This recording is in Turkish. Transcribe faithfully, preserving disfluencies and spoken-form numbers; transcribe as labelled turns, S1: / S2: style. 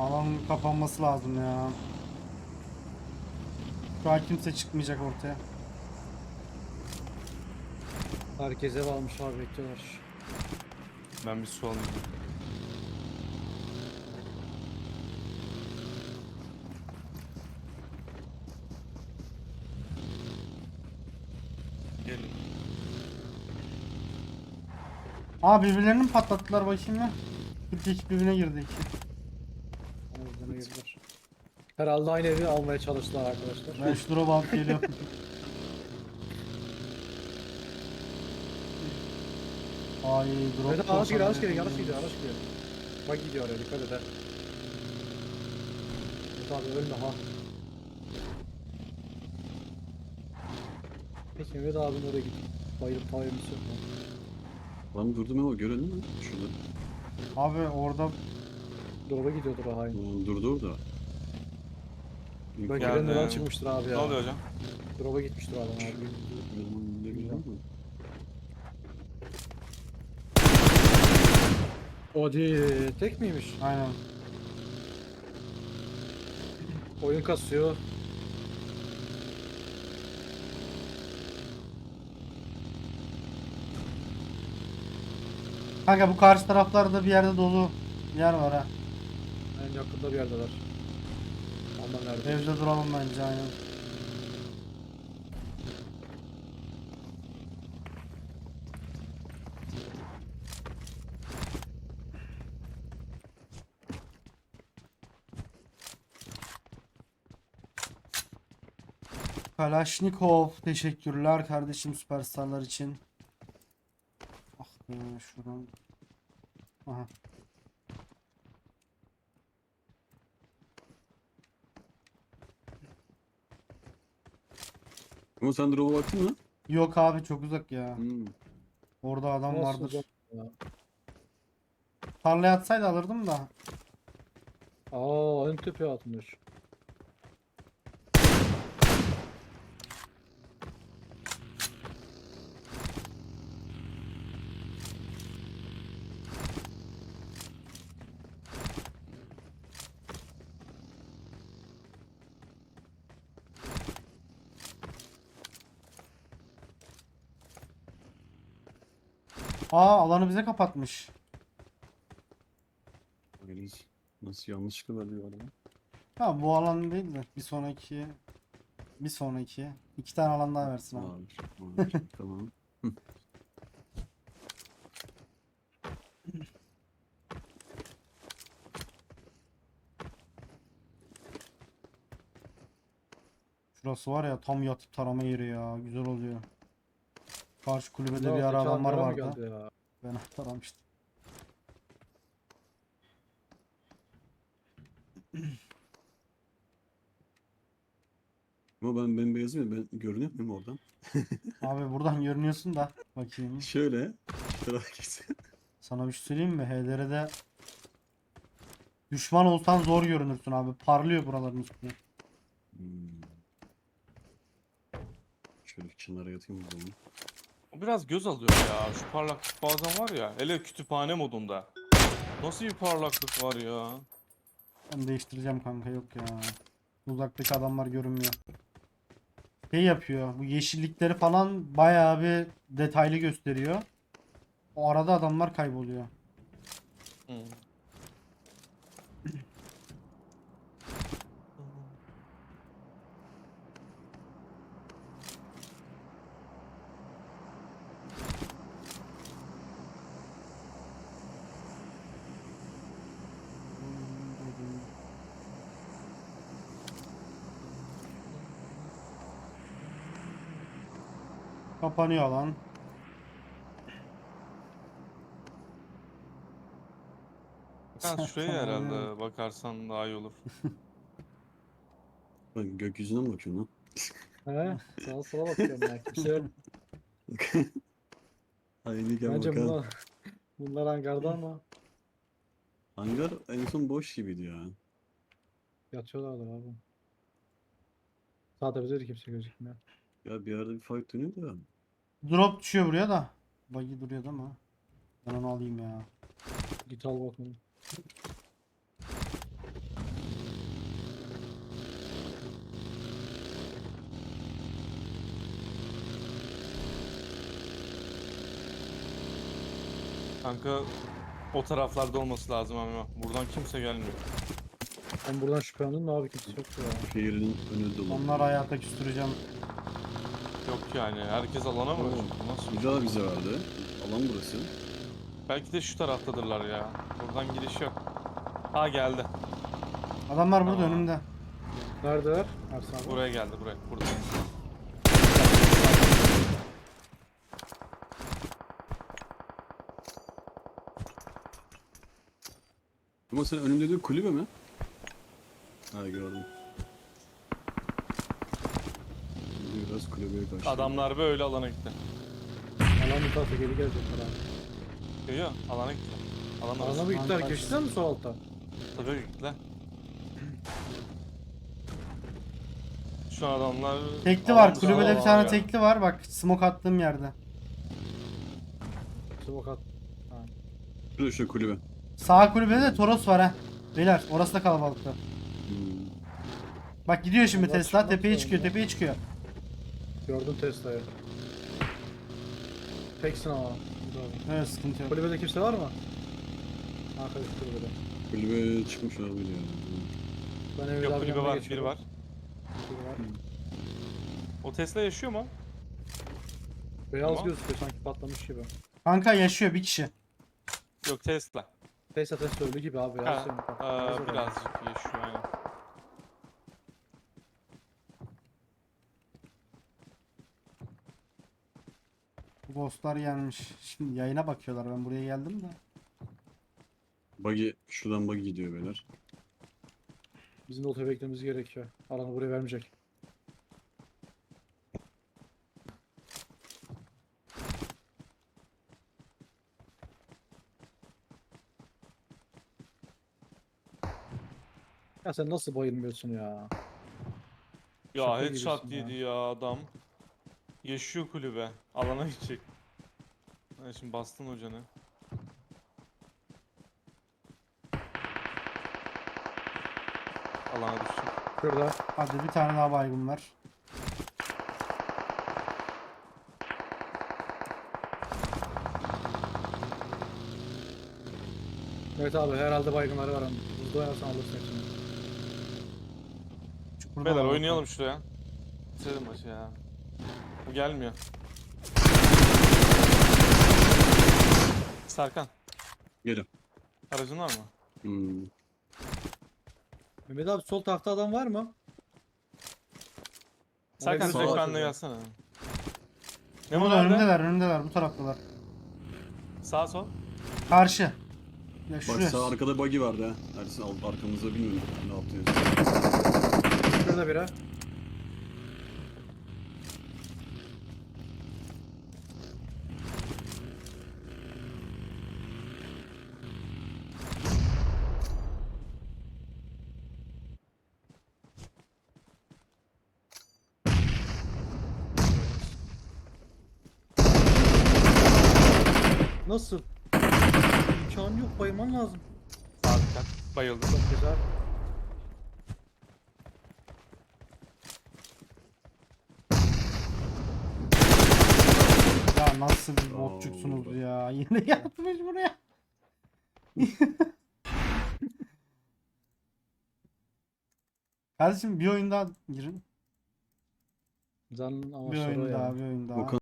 S1: Alanın kapanması lazım ya. Şu an kimse çıkmayacak ortaya.
S2: Herkes ev almış abi, bekliyorlar.
S3: Ben bir su alayım. Gelin.
S1: Aa, birbirlerini mi patlattılar bakayım ya? Bir iki birbirine girdi iki.
S2: O yüzden girdiler. Herhalde aynı evi almaya çalıştılar arkadaşlar.
S1: Ben şu drop'a alıp geliyorum. Ay drop.
S2: Evet, araç geliyor, araç geliyor, araç gidiyor, araç gidiyor. Bak gidiyor oraya, dikkat et ha. Evet abi, ölme ha. Peki Mehmet abinin oraya gidip bayılıp tavayımız yok mu?
S4: Lan durdum ama görelim mi? Şurada.
S1: Abi orada
S2: Drop'a gidiyordur o hain.
S4: Aa, durdu orada.
S2: Belki
S3: Geldi.
S2: render'dan çıkmıştır abi ya.
S3: Ne oluyor hocam?
S2: Drop'a gitmiştir adam abi.
S4: Yanıma ne bileyim ama.
S2: O değil, tek miymiş?
S1: aynen.
S2: Oyun kasıyor.
S1: Kanka bu karşı taraflarda bir yerde dolu yer var ha.
S2: En yakında bir yerdeler. Ama nerede?
S1: Evde duralım bence aynen. Kalashnikov, teşekkürler kardeşim süperstarlar için. Ah be şuradan. Aha.
S4: Ama sen drop'a baktın mı?
S1: Yok abi çok uzak ya.
S4: Hmm.
S1: Orada adam
S2: Nasıl
S1: vardır.
S2: uzak ya?
S1: Tarlaya atsaydı alırdım da.
S2: Aa, en tepeye atmış.
S1: Aa, alanı bize kapatmış.
S4: Bakacağız. Nasıl yanlışlıkla verdi bu adamı?
S1: Ha, bu alan değil de bir sonraki bir sonraki iki tane alan daha versin abi.
S4: Var. Var. Tamam.
S1: Şurası var ya tam yatıp tarama yeri ya, güzel oluyor. Karşı kulübede
S2: Ne
S1: bir
S2: oldu,
S1: ara
S2: iki
S1: adamlar
S2: hangara mı
S1: vardı.
S2: geldi ya?
S1: Ben taramıştım.
S4: Ama ben bembeyazım ya, ben görünüyor muyum oradan?
S1: Abi buradan görünüyorsun da bakayım.
S4: Şöyle. Şu tarafa gitsin.
S1: Sana bir şey söyleyeyim mi? H D R'de düşman olsan zor görünürsün abi. Parlıyor buraların üstüne.
S4: Hmm. Şöyle kenara yatayım o zaman.
S3: O biraz göz alıyor ya. Şu parlaklık bazen var ya. Hele kütüphane modunda. Nasıl bir parlaklık var ya.
S1: Ben değiştireceğim kanka, yok ya. Uzaktaki adamlar görünmüyor. Şey yapıyor. Bu yeşillikleri falan bayağı bir detaylı gösteriyor. O arada adamlar kayboluyor.
S3: Hmm.
S1: Kapanıyor alan.
S3: Ben
S1: Sen
S3: şuraya
S1: tamam ya.
S3: herhalde bakarsan daha iyi olur.
S4: Ben gökyüzüne mi bakıyorum lan?
S2: He? Sağa sola bakıyorum ya. Kimse yok.
S4: Aynıyken
S2: Bence
S4: bakalım.
S2: bunlar, bunlar hangarda ama
S4: Hangar en son boş gibiydi ya.
S2: yatıyorlardır abi. Sağda bize de kimse gözükmüyor.
S4: Ya bir yerde bir fight dönüyor da.
S1: Drop düşüyor buraya da. Buggy duruyordu ama. Ben onu alayım ya.
S2: Git al bakalım.
S3: Kanka o taraflarda olması lazım ama buradan kimse gelmiyor.
S2: Ben buradan şüphelendim de abi kimse yok ya.
S4: Şehrin önü dolu.
S1: Onlar hayata küstüreceğim.
S3: Yok yani herkes alana mı?
S4: Oo.
S3: Nasıl?
S4: Güzel bize verdi. Alan burası.
S3: Belki de şu taraftadırlar ya. Buradan giriş yok. Ha geldi.
S1: Adamlar burada
S3: Tamam.
S1: önümde.
S2: Neredeler? Ersan abi.
S3: Buraya geldi buraya. Burada.
S4: Ama sen önümde de kulübe mi? Ha gördüm. Şimdi biraz kulübeye karşı.
S3: Adamlar böyle alana gitti.
S2: Alan bu tarafa geri gelecekler abi.
S3: Yok yok alana gitti. Alana
S2: Alana mı gittiler? Geçtiler mi sol altta?
S3: Tabii gittiler. Şu an adamlar...
S1: Tekli
S3: alan
S1: var.
S3: dışında
S1: Kulübede bir
S3: var
S1: tane
S3: ya.
S1: tekli var. Bak smoke attığım yerde.
S2: Smoke at. Ha.
S4: Şurada şu kulübe.
S1: Sağ kulübede de Toros var ha. Beyler orası da kalabalıkta.
S4: Hmm.
S1: Bak gidiyor şimdi
S2: Allah
S1: Tesla.
S2: çıkmak
S1: Tepeye
S2: zorunda.
S1: çıkıyor. Tepeye çıkıyor.
S2: Gördüm Tesla'yı. Teksin ama. Güzel.
S1: Evet sıkıntı yok.
S2: Kulübede kimse var mı? Arkadaş kulübede.
S4: Kulübe çıkmış olabilir yani.
S2: Ben Emir
S3: Yok
S2: abi
S3: kulübe
S2: yanına
S3: var, biri
S2: geçiyorum.
S3: var.
S2: Biri var.
S3: O Tesla yaşıyor mu?
S2: Beyaz
S3: Tamam.
S2: gözüküyor sanki patlamış gibi.
S1: Kanka yaşıyor bir kişi.
S3: Yok Tesla.
S2: Tesla Tesla ölü gibi abi.
S3: Ha,
S2: Beyaz senin bak. Beyaz
S3: aa,
S2: adam.
S3: birazcık yaşıyor aynen.
S1: Bu ghostlar gelmiş. Şimdi yayına bakıyorlar. Ben buraya geldim de.
S4: Buggy, şuradan buggy gidiyor beyler.
S2: Bizim de otoya beklememiz gerekiyor. Alanı buraya vermeyecek. Ya sen nasıl bayılmıyorsun ya?
S3: Ya
S2: Şaka
S3: headshot
S2: gibisin
S3: yedi ya adam. Yaşıyor kulübe. Alana gidecek. Ha, şimdi bastın hocanı. Alana düştü.
S2: Şurada.
S1: Hadi bir tane daha baygın var.
S2: Evet abi herhalde baygınları var ama. Hızlı oynarsan alırsın hepsini.
S1: Çukurda
S3: Beyler
S1: var bak.
S3: oynayalım şuraya. Bitirelim maçı ya. Bu gelmiyor. Serkan,
S4: Gelin.
S3: aracın var mı?
S4: Hmm.
S2: Mehmet abi sol tahta adam var mı?
S3: Serkan
S2: bir
S3: direkt
S2: sağa
S3: benimle
S2: atacağım.
S3: gelsene. Ne
S1: Burada
S3: var nerede?
S1: önümdeler önümdeler bu taraftalar.
S3: Sağ sol.
S1: Karşı. Ya
S4: Bak
S1: şuraya.
S4: sağ arkada buggy vardı ha. Ersin alt arkamızda bilmiyorum ne yaptı.
S2: Şurada biri. Nasıl? İmkanı yok bayılman lazım.
S3: Sağ dikkat. Bayıldı.
S2: Çok güzel.
S1: Ya nasıl bir
S4: Oo,
S1: botçuksunuz
S4: burada.
S1: ya. Yine yatmış buraya. Kardeşim bir oyun daha girin.
S2: Zanın ama
S1: Bir
S2: soru
S1: oyun
S2: ya.
S1: daha bir oyun daha.
S4: Okan